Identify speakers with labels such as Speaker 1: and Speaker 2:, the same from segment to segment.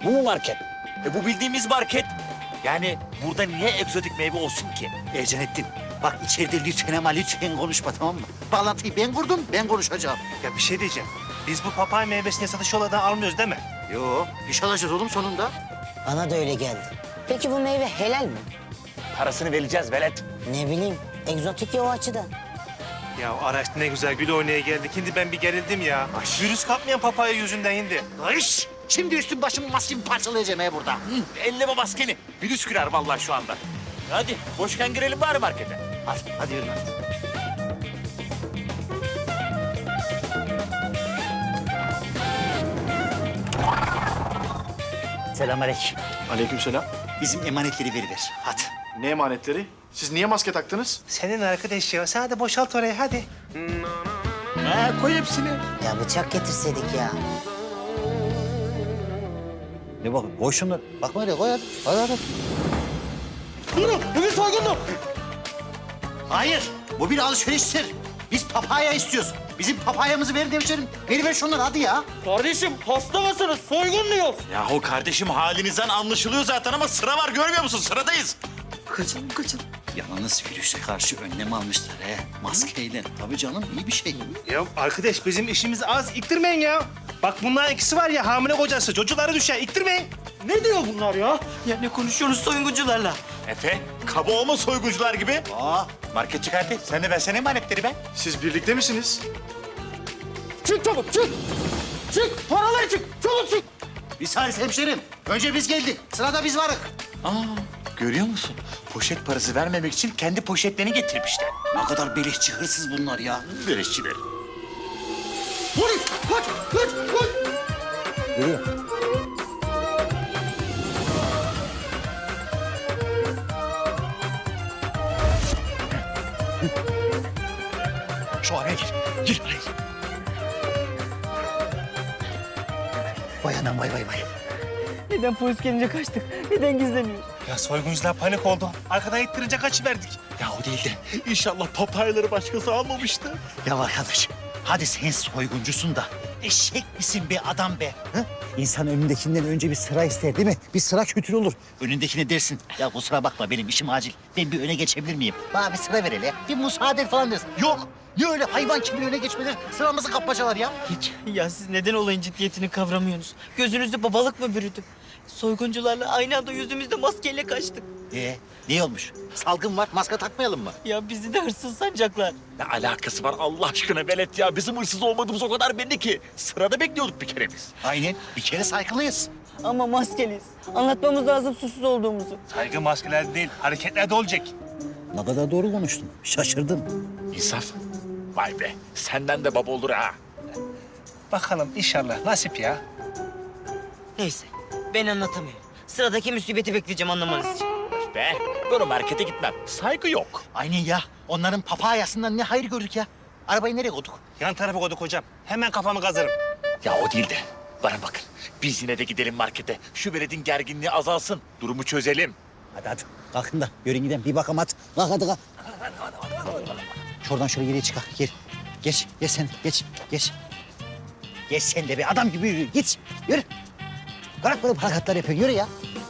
Speaker 1: Bu mu market? Bu bildiğimiz market. Yani burada niye egzotik meyve olsun ki?
Speaker 2: Eceneddin, bak içeride lütfen ama lütfen konuşma, tamam mı? Bağlantıyı ben kurdum, ben konuşacağım.
Speaker 3: Ya bir şey diyeceğim. Biz bu papaya meyvesini satış yollardan almıyoruz değil mi?
Speaker 2: Yo, iş alacağız oğlum sonunda.
Speaker 4: Bana da öyle geldi. Peki bu meyve helal mi?
Speaker 1: Parasını vereceğiz velet.
Speaker 4: Ne bileyim, egzotik ya o açıdan.
Speaker 3: Ya araçta ne güzel gül oynaya geldik. Şimdi ben bir gerildim ya. Virüs kapmayan papaya yüzünden indi.
Speaker 2: Ayş! Şimdi üstüm başımı maskemi parçalayacağım burada.
Speaker 1: Elleme maskeni. Virüs girer vallahi şu anda. Hadi boşken girelim bari markete.
Speaker 2: Hadi yürü hadi. Selamünaleyküm.
Speaker 5: Aleykümselam.
Speaker 2: Bizim emanetleri veriver. Hadi.
Speaker 5: Ne emanetleri? Siz niye maske taktınız?
Speaker 3: Senin arkadaş ya. Sen de boşalt orayı hadi.
Speaker 2: Koy hepsini.
Speaker 4: Ya bıçak getirseydik ya.
Speaker 2: Ne bakın, koy şunları. Bakma öyle, koy hadi. Hadi.
Speaker 5: Bu bir soygundu.
Speaker 2: Hayır, bu bir alışveriştir. Biz papaya istiyoruz. Bizim papayamızı ver devşerim. Ver şunları hadi ya.
Speaker 1: Kardeşim hasta mısınız? Soygun diyor. Yahu kardeşim halinizden anlaşılıyor zaten ama sıra var görmüyor musun? Sıradayız.
Speaker 2: Kaçın. Yalnız virüse karşı önlem almışlar he. Maskeyle. Tabii canım, iyi bir şey.
Speaker 3: Ya arkadaş bizim işimiz az. İktirmeyin ya. Bak bunların ikisi var ya hamile kocası. Çocukları düşer. İktirmeyin.
Speaker 1: Ne diyor bunlar ya?
Speaker 6: Ya ne konuşuyorsunuz soyguncularla?
Speaker 1: Efe, kaba olma soyguncular gibi. Market çıkarttı. Sen de versene emanetleri be.
Speaker 5: Siz birlikte misiniz?
Speaker 2: Çık çabuk, çık. Çık, paraları çık. Çabuk çık. Bir saniye hemşerim. Önce biz geldik. Sırada biz varık.
Speaker 1: Görüyor musun? Poşet parası vermemek için kendi poşetlerini getirmişler.
Speaker 2: Ne kadar beleşçi, hırsız bunlar ya.
Speaker 1: Böreşçiler.
Speaker 2: Polis, kaç. Şu araya gir. Gir araya gir. Vay anam vay.
Speaker 6: Neden polis gelince kaçtık? Neden gizleniyoruz?
Speaker 3: Ya soyguncular panik oldu. Arkadan ittirince kaçıverdik.
Speaker 2: Ya o değil de.
Speaker 1: İnşallah papayları başkası almamıştı.
Speaker 2: Ya arkadaş, hadi sen soyguncusun da eşek misin be adam be? Hı? İnsan önündekinden önce bir sıra ister değil mi? Bir sıra kötü olur. Önündekine dersin. Ya kusura bakma benim işim acil. Ben bir öne geçebilir miyim? Bana bir sıra ver hele. Bir müsaade falan dersin. Yok. Ne öyle hayvan gibi öne geçmeler? Sıramızı kapmacalar ya. Hiç.
Speaker 6: Ya siz neden olayın ciddiyetini kavramıyorsunuz? Gözünüzde babalık mı bürüdü? Soyguncularla aynı anda yüzümüzde maskeyle kaçtık.
Speaker 2: Ne olmuş? Salgın var. Maske takmayalım mı?
Speaker 6: Ya bizi de hırsız sanacaklar.
Speaker 1: Ne alakası var Allah aşkına velet ya? Bizim hırsız olmadığımız o kadar belli ki. Sırada bekliyorduk bir kere biz.
Speaker 2: Aynen. Bir kere saygılıyız.
Speaker 6: Ama maskeliyiz. Anlatmamız lazım susuz olduğumuzu.
Speaker 3: Saygı maskelerde değil, hareketlerde olacak.
Speaker 2: Ne kadar doğru konuştun. Şaşırdım.
Speaker 1: İnsaf. Vay be. Senden de baba olur ha.
Speaker 3: Bakalım inşallah nasip ya.
Speaker 6: Neyse ben anlatamıyorum. Sıradaki musibeti bekleyeceğim anlamanız için.
Speaker 1: Öf be. Böyle markete gitmem. Saygı yok.
Speaker 2: Aynen ya. Onların papayasından ne hayır gördük ya. Arabayı nereye koyduk?
Speaker 3: Yan tarafa koyduk hocam. Hemen kafamı kazırım.
Speaker 1: Ya o değil de. Bana bakın. Biz yine de gidelim markete. Şu veledin gerginliği azalsın. Durumu çözelim.
Speaker 2: Hadi. Kalkın da yürüyün gidelim. Bir bakalım hadi. Kalk hadi kalk. Şuradan şöyle geriye çıkar. Gel. Geç sen. Geç. Geç sen de bir adam gibi yürü. Git. Yürü. Bırak böyle hareketler yapıyorsun. Yürü ya.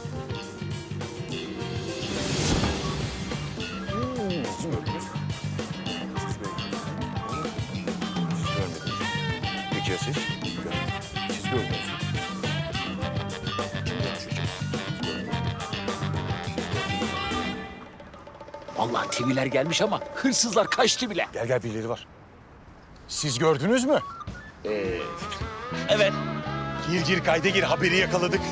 Speaker 5: Peki ya siz? Siz gördünüz.
Speaker 1: Vallahi TV'ler gelmiş ama hırsızlar kaçtı bile.
Speaker 5: Gel birileri var. Siz gördünüz mü?
Speaker 1: Evet.
Speaker 5: Gir kayda gir haberi yakaladık.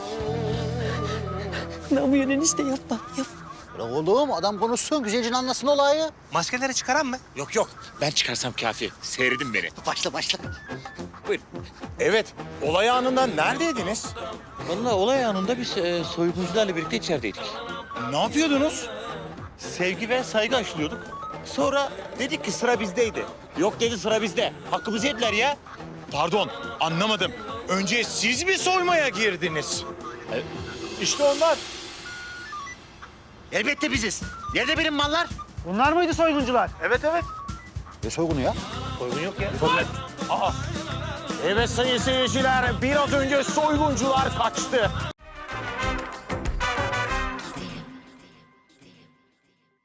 Speaker 6: Ne yapıyorsun enişte yapma.
Speaker 2: Bırak oğlum adam konuşsun. Güzelce anlasın olayı.
Speaker 3: Maskeleri çıkaran mı?
Speaker 1: Yok. Ben çıkarsam kafi. Seyredin beni.
Speaker 2: Başla.
Speaker 1: Buyurun.
Speaker 5: Evet. Olay anında neredeydiniz?
Speaker 1: Vallahi olay anında biz soyguncularla birlikte içerideydik.
Speaker 5: Ne yapıyordunuz?
Speaker 1: Sevgi ve saygı aşılıyorduk. Sonra dedik ki sıra bizdeydi. Yok dedi sıra bizde. Hakkımızı yediler ya.
Speaker 5: Pardon, anlamadım. Önce siz mi soymaya girdiniz?
Speaker 1: İşte onlar.
Speaker 2: Elbette biziz. Nerede benim mallar?
Speaker 3: Bunlar mıydı soyguncular? Evet.
Speaker 2: Ne soygunu ya?
Speaker 3: Soygun yok ya.
Speaker 5: Evet sayın seyirciler, biraz önce soyguncular kaçtı.